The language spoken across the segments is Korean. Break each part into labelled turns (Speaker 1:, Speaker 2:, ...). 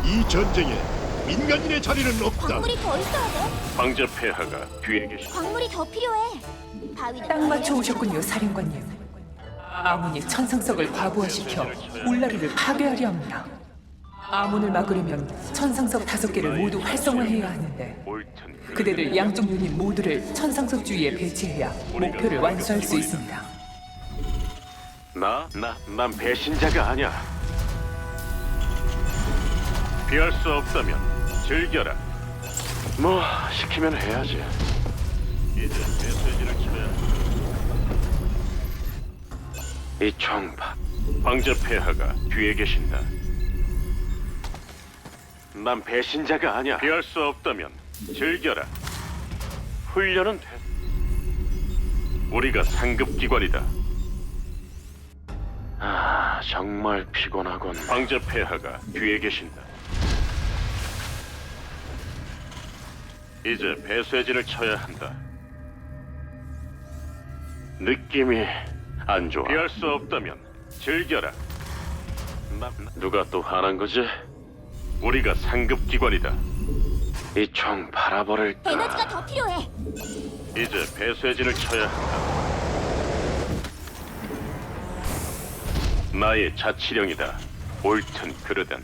Speaker 1: 이 전쟁에 민간인의 자리는 없다.
Speaker 2: 광물이 더 있어야 돼.
Speaker 3: 황제 폐하가 뒤에 계시.
Speaker 2: 광물이 더 필요해. 바위는
Speaker 4: 딱 맞춰 오셨군요, 사령관님. 아몬이 천상석을 과부하시켜 울라리를 파괴하려 합니다. 아몬을 막으려면 천상석 5개를 모두 활성화해야 하는데
Speaker 3: 옳든
Speaker 4: 그대들 양쪽 유닛 모두를 천상석 주위에 배치해야 목표를 완수할 수 있습니다.
Speaker 3: 난 배신자가 아니야. 피할 수 없다면 즐겨라. 뭐 시키면 해야지. 이제 메시지를 쳐야. 이 총파 황제 폐하가 뒤에 계신다. 난 배신자가 아니야. 피할 수 없다면 즐겨라. 훈련은 돼. 우리가 상급 기관이다. 아, 정말 피곤하군. 황제 폐하가 뒤에 계신다. 이제 배쇄진을 쳐야 한다. 느낌이 안 좋아. 피할 수 없다면 즐겨라. 누가 또 화난 거지? 우리가 상급 기관이다. 이 총 바라버릴까?
Speaker 2: 에너지가 더 필요해.
Speaker 3: 이제 배쇄진을 쳐야 한다. 나의 자치령이다. 옳든 그르든.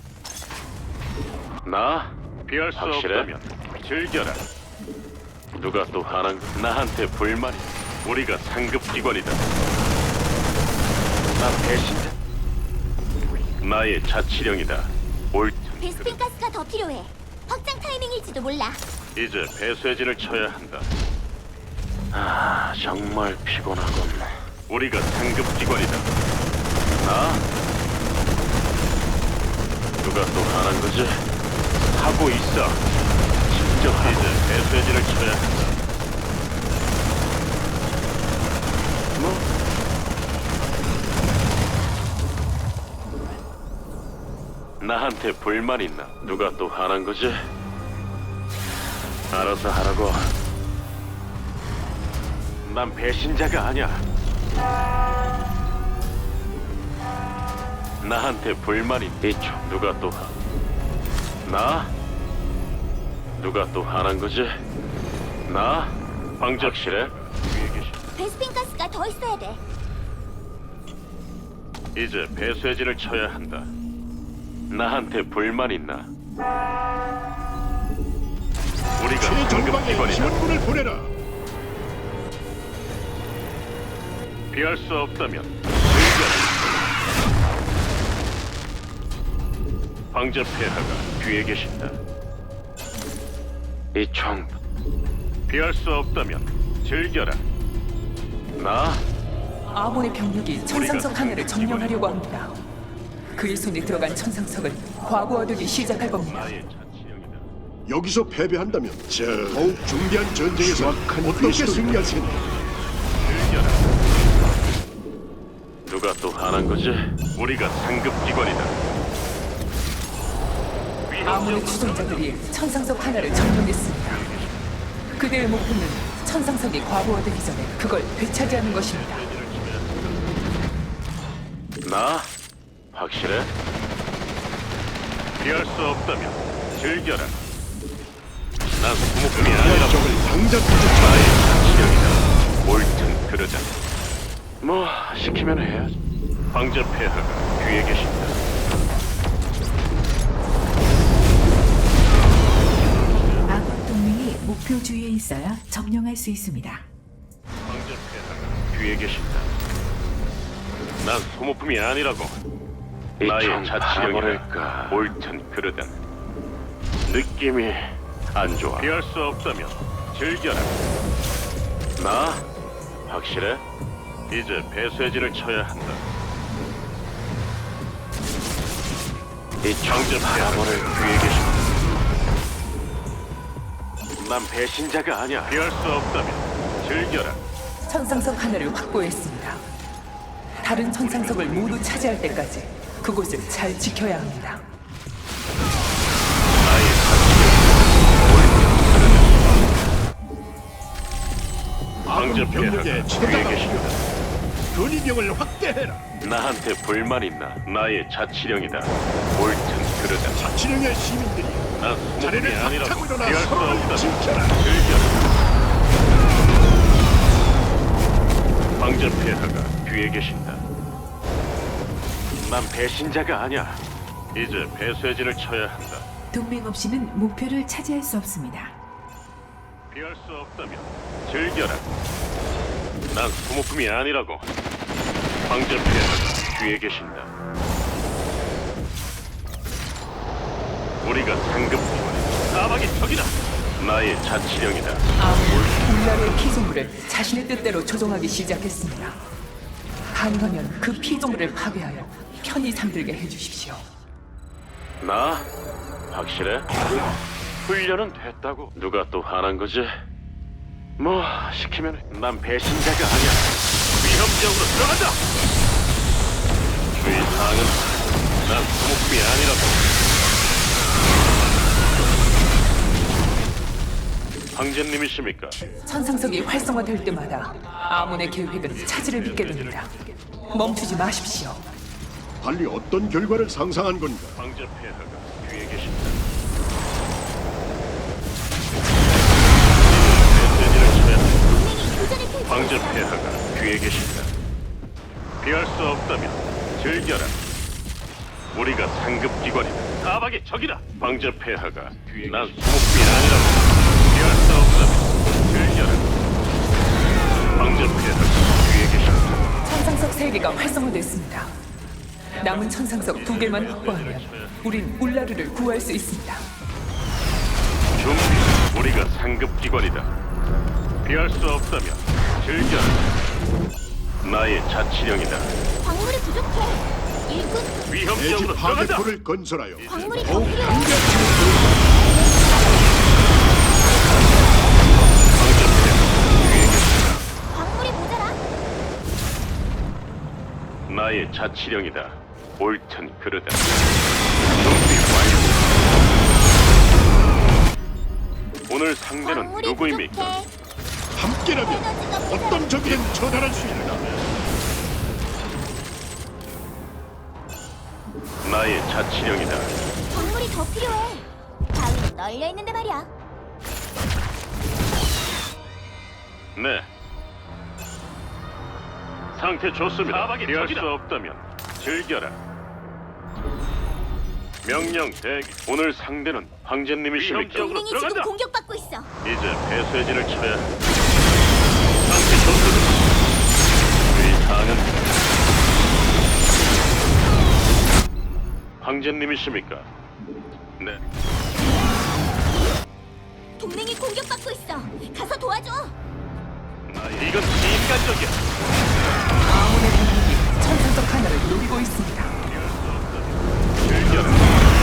Speaker 3: 나 피할 수
Speaker 1: 확실해?
Speaker 3: 없다면 즐겨라. 누가 또 화난 거? 나한테 불만이. 우리가 상급 기관이다. 난 배신자. 나의 자치령이다. 옳든
Speaker 2: 베스핀
Speaker 3: 그르든.
Speaker 2: 가스가 더 필요해. 확장 타이밍일지도 몰라.
Speaker 3: 이제 배쇄진을 쳐야 한다. 아, 정말 피곤하군. 우리가 상급 기관이다. 나? 누가 또 화난 거지? 하고 있어. 진정하고. 이제 배쇄진을 쳐야 한다. 뭐? 나한테 불만 있나? 누가 또 화난 거지? 알아서 하라고. 난 배신자가 아니야. 나한테 불만이 있죠. 누가 또 나? 누가 또 화난 거지? 나? 황적실에? 위에 계신.
Speaker 2: 베스핀 가스가 더 있어야 돼.
Speaker 3: 이제 배쇄진을 쳐야 한다. 나한테 불만 있나? 우리가 상급
Speaker 1: 최전방에
Speaker 3: 기관이다.
Speaker 1: 지원군을 보내라.
Speaker 3: 피할 수 없다면 즐겨라. 황제 폐하가 뒤에 계신다. 이 총 피할 수 없다면 즐겨라. 나?
Speaker 4: 아몬의 병력이 천상석 하나를 점령하려고 합니다. 그의 손에 들어간 천상석은 과부하되기 시작할 겁니다.
Speaker 3: 나의 자치령이다.
Speaker 1: 여기서 패배한다면 더욱 중대한 전쟁에서 어떻게 승리할 테니?
Speaker 3: 즐겨라. 누가 또 화난 거지? 우리가 상급 기관이다.
Speaker 4: 아몬의 추종자들이 천상석 하나를 점령했습니다. 그들의 목표는 천상석이 과부하되기 전에 그걸 되찾이하는 것입니다.
Speaker 3: 나? 확실해? 피할 수 없다면 즐겨라. 난 소모품이 아니라
Speaker 1: 적을 당장
Speaker 3: 나의
Speaker 1: 부족하다.
Speaker 3: 자치령이다. 옳든 그러자. 뭐 시키면 해야지. 황제 폐하가 뒤에 계신다.
Speaker 5: 아군 동맹이 목표 주위에 있어야 점령할 수 있습니다.
Speaker 3: 황제 폐하가 뒤에 계신다. 난 소모품이 아니라고. 나의 자치령이랄까. 옳든 그러든. 느낌이 안 좋아. 피할 수 없다면 즐겨라. 나? 확실해? 이제 배쇄진을 쳐야 한다. 이 황제 폐하를 뒤에 계신다. 난 배신자가 아니야. 피할 수 없다면 즐겨라.
Speaker 4: 천상석 하나를 확보했습니다. 다른 천상석을 모두 차지할 때까지 그곳을 잘 지켜야 합니다.
Speaker 3: 나의 자치령. 황제
Speaker 1: 병력의
Speaker 3: 폐하가
Speaker 1: 최다가
Speaker 3: 뒤에 계신다.
Speaker 1: 근위병을 확대해라.
Speaker 3: 나한테 불만 있나? 나의 자치령이다. 옳든 그러다.
Speaker 1: 자치령의 시민들이
Speaker 3: 난 소모품이
Speaker 1: 자리를
Speaker 3: 아니라고.
Speaker 1: 박차고 일어나
Speaker 3: 피할 수
Speaker 1: 서로를
Speaker 3: 없다.
Speaker 1: 지켜라.
Speaker 3: 황제 폐하가 뒤에 계신다. 난 배신자가 아니야. 이제 배쇄진을 쳐야 한다.
Speaker 5: 동맹 없이는 목표를 차지할 수 없습니다.
Speaker 3: 피할 수 없다면 즐겨라. 난 소모품이 아니라고. 황제 폐하가 뒤에 계신다. 우리가 상급기관 사막의 적이다. 나의 자치령이다.
Speaker 4: 아몬 울라르의 피조물을 자신의 뜻대로 조종하기 시작했습니다. 가능하면 그 피조물을 파괴하여 편히 잠들게 해주십시오.
Speaker 3: 나? 확실해? 훈련은 됐다고. 누가 또 화난 거지? 뭐 시키면 난 배신자가 아니야. 위험지역으로 들어간다. 주의 사항은 난 소모품이 아니라고. 황제님이십니까?
Speaker 4: 천상석이 활성화될 때마다 아몬의 계획은 차질을 빚게 됩니다. 멈추지 마십시오.
Speaker 1: 달리 어떤 결과를 상상한 건가?
Speaker 3: 황제 폐하가 뒤에 계신다. 메시지를 쳐야 한다.
Speaker 2: 동맹이 교전을 펼치고
Speaker 3: 황제
Speaker 2: 있어.
Speaker 3: 폐하가 뒤에 계신다. 피할 수 없다면 즐겨라. 우리가 상급 기관이다. 사박의 적이다. 황제 폐하가 뒤에 난 소모품이 아니라고. 피할 수 없다면 즐겨라. 황제 폐하가 뒤에 계신다.
Speaker 4: 천상석 3개가 활성화됐습니다. 남은 천상석 2개만 확보하면 우린 울라르를 구할 수 있습니다.
Speaker 3: 준비. 우리가 상급 기관이다. 피할 수 없다면 즐겨라. 나의 자치령이다.
Speaker 2: 광물이 부족해. 일꾼
Speaker 3: 위험
Speaker 1: 대지
Speaker 3: 지역으로 들어간다.
Speaker 1: 파괴포를 건설하여
Speaker 2: 광물이 더
Speaker 1: 더욱
Speaker 2: 필요해.
Speaker 1: 강력히
Speaker 3: 황제 폐하가 뒤에 계신다.
Speaker 2: 광물이 모자라.
Speaker 3: 나의 자치령이다. 옳든 그르다. 준비 완료. 오늘 상대는
Speaker 2: 광물이
Speaker 3: 누구입니까?
Speaker 2: 부족해.
Speaker 1: 함께라면
Speaker 2: 에너지가 모자라.
Speaker 1: 어떤 적이든 처단할 수 있다.
Speaker 3: 나의 자치령이다.
Speaker 2: 광물이 더 필요해. 바위는 널려 있는데 말이야.
Speaker 3: 네. 상태 좋습니다. 피할 수 없다면 즐겨라. 명령 대기. 오늘 상대는 황제님이십니까?
Speaker 2: 동맹이 지금 공격받고 있어.
Speaker 3: 이제 배쇄진을 쳐야 한다. 상태 좋습니다. 이 사항은 황제님이십니까? 네.
Speaker 2: 동맹이 공격받고 있어. 가서 도와줘.
Speaker 3: 이건 비인간적이야.
Speaker 4: 아몬의 공격이 천상석 하나를 노리고 있습니다.
Speaker 3: 즐겨라.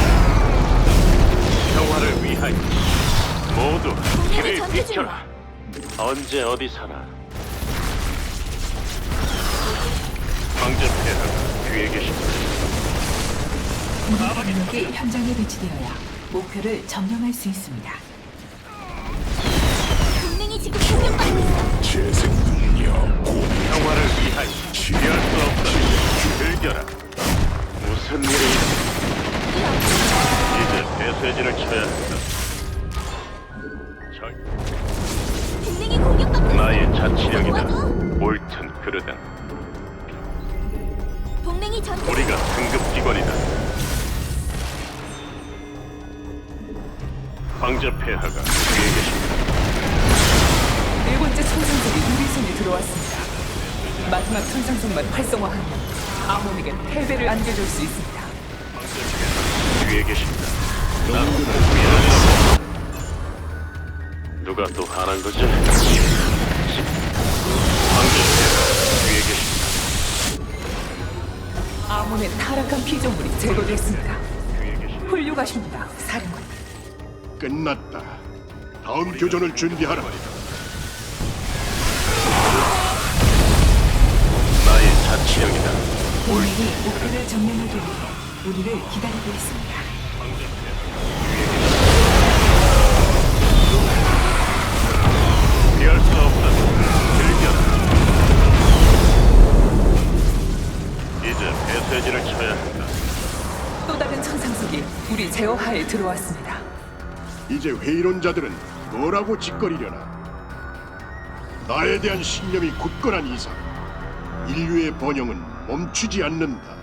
Speaker 3: 평화를 위하여 모두 길을
Speaker 2: 전투
Speaker 3: 비켜라. 언제 어디 사나. 황제 폐하가 뒤에 계십니다.
Speaker 5: 공격력이 현장에 배치되어야 목표를 점령할 수 있습니다.
Speaker 2: 동맹이 지금 공격받고 있어.
Speaker 3: 평화를 위하여 피할 수 없다면 즐겨라. 무슨 일이 이제 배쇄진을 쳐야 한다.
Speaker 2: 동맹이 공격받고 있어.
Speaker 3: 나의 자치령이다.
Speaker 2: 도와줘.
Speaker 3: 옳든 그르든
Speaker 2: 동맹이 전투.
Speaker 3: 우리가 상급 기관이다. 황제 폐하가 뒤에 계십니다.
Speaker 4: 4번째 천상석이 우리 손에 들어왔습니다. 마지막 천상석만 활성화하면 아몬에게 패배를 안겨줄 수 있습니다.
Speaker 3: 황제 폐하가 뒤에 계십니다. 누가 또 화난 거지? 황제 폐하가 뒤에 계십니다.
Speaker 4: 아몬의 타락한 피조물이 제거됐습니다.
Speaker 3: 뒤에 계십니다.
Speaker 4: 훌륭하십니다, 사령관.
Speaker 1: 끝났다. 다음 교전을 준비하라.
Speaker 3: 나의 자치령이다.
Speaker 5: 동맹이 목표를 점령하기 위해 우리를 기다리고 있습니다.
Speaker 3: 피할 수 없다면 즐겨라. 이제 배쇄진을 쳐야 한다.
Speaker 4: 또 다른 천상석이 우리 제어하에 들어왔습니다.
Speaker 1: 이제 회의론자들은 뭐라고 짓거리려나? 나에 대한 신념이 굳건한 이상 인류의 번영은 멈추지 않는다.